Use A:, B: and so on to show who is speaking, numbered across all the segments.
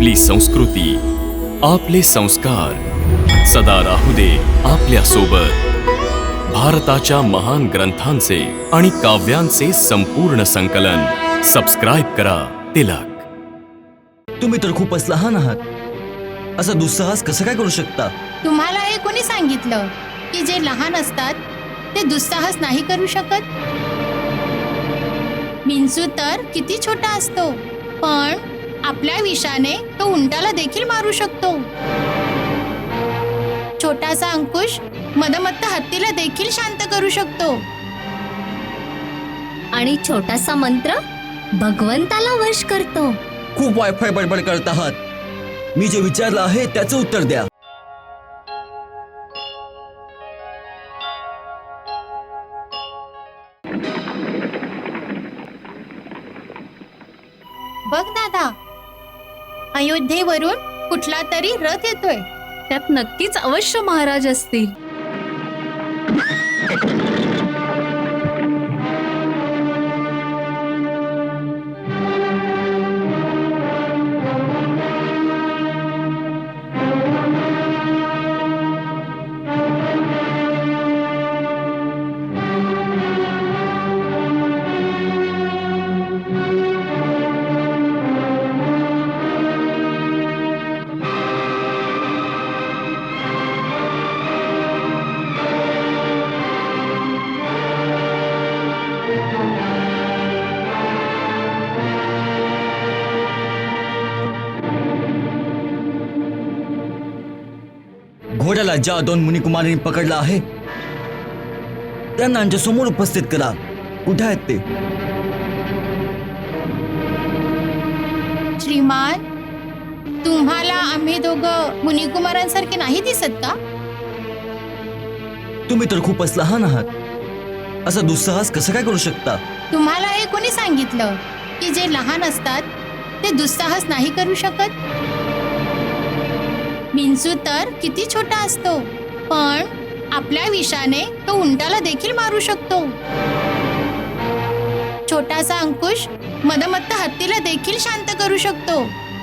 A: आपली संस्कृती, आपले संस्कार सदा राहू दे आपल्या सोबत। भारताच्या महान ग्रंथांचे आणि काव्यांचे संपूर्ण संकलन सबस्क्राइब करा तिलक।
B: तुम्ही तर खूपच लहान आहात, असा दुस्साहस कसं काय करू शकता?
C: तुम्हाला हे कोणी सांगितलं की जे लहान असतात ते दुस्साहस नाही करू शकत? विंचू तर किती छोटा असतो, पण आपल्या विषाने तो उंटाला देखील मारू शकतो। छोटासा अंकुश मदमत्त हत्तीला देखील शांत करू शकतो।
D: आणि छोटासा मंत्र भगवंताला वश करतो।
B: खूप वायफाय बडबड करत आहात। मी जे विचारलं आहे त्याचं उत्तर द्या।
C: बघ दादा, अयोध्येवरून कुठला तरी रथ येतोय।
D: त्यात नक्कीच अवश्य महाराज असतील।
B: घोड्याला ज्या दोन मुनिकुमारांनी पकडला आहे त्यांना आमच्या समोर उपस्थित करा। कुठे आहेत ते?
C: श्रीमान, तुम्हाला आम्ही दोघं मुनिकुमारांसारखे नाही दिसत का?
B: तुम्ही तर खूपच लहान आहात, असा दुस्साहस कसं काय करू शकता?
C: तुम्हाला हे कोणी सांगितलं की जे लहान असतात ते दुस्साहस नाही करू शकत? विंचू तर किती छोटा असतो, पण आपल्या विषाने तो उंटाला देखील मारू शकतो। छोटासा अंकुश मदमत्त हत्तीला देखील शांत करू शकतो।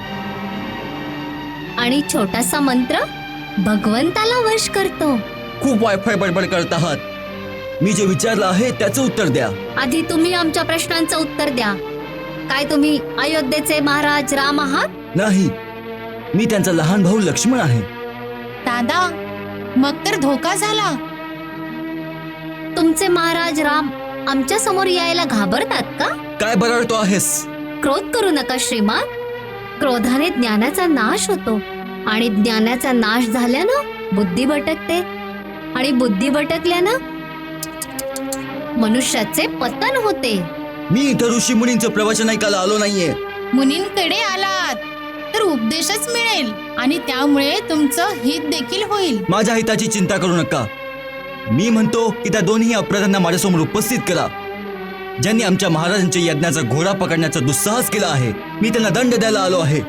D: आणि छोटासा मंत्र भगवंताला वश करतो।
B: खूप वायफाय बडबड करत आहात। मी जे विचारलं आहे त्याचं उत्तर द्या।
D: आधी तुम्ही आमच्या प्रश्नांचं उत्तर द्या। काय तुम्ही अयोध्येचे महाराज राम आहात?
B: नाही, मी त्यांचा लहान भाऊ लक्ष्मण आहे।
C: दादा, मग तर धोका झाला।
D: तुमचे महाराज राम आमच्या समोर यायला घाबरतात का?
B: काय बरळतो आहेस?
D: क्रोध करू नका श्रीमान। क्रोधाने ज्ञानाचा नाश होतो, आणि ज्ञानाचा नाश झाल्यानं बुद्धी भटकते, आणि बुद्धी भटकल्यानं मनुष्याचे पतन होते।
B: मी इथं ऋषी मुनींचं प्रवचन ऐकायला आलो नाहीये।
C: मुनींकडे आलात तर उपदेशच मिळेल, आणि त्यामुळे तुमचं हित देखील होईल।
B: माझ्या हिताची चिंता करू नका। मी म्हणतो की त्या दोन्ही अपराधांना माझ्यासमोर उपस्थित करा, ज्यांनी आमच्या महाराजांच्या यज्ञाचा घोडा पकडण्याचा दुस्साहस केला आहे। मी त्यांना दंड द्यायला आलो आहे।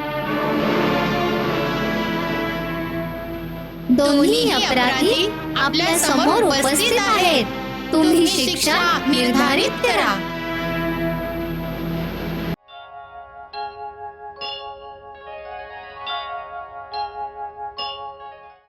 D: दोन्ही अपराधी आपल्या समोर उपस्थित आहेत। तुम्ही शिक्षा निर्धारित करा।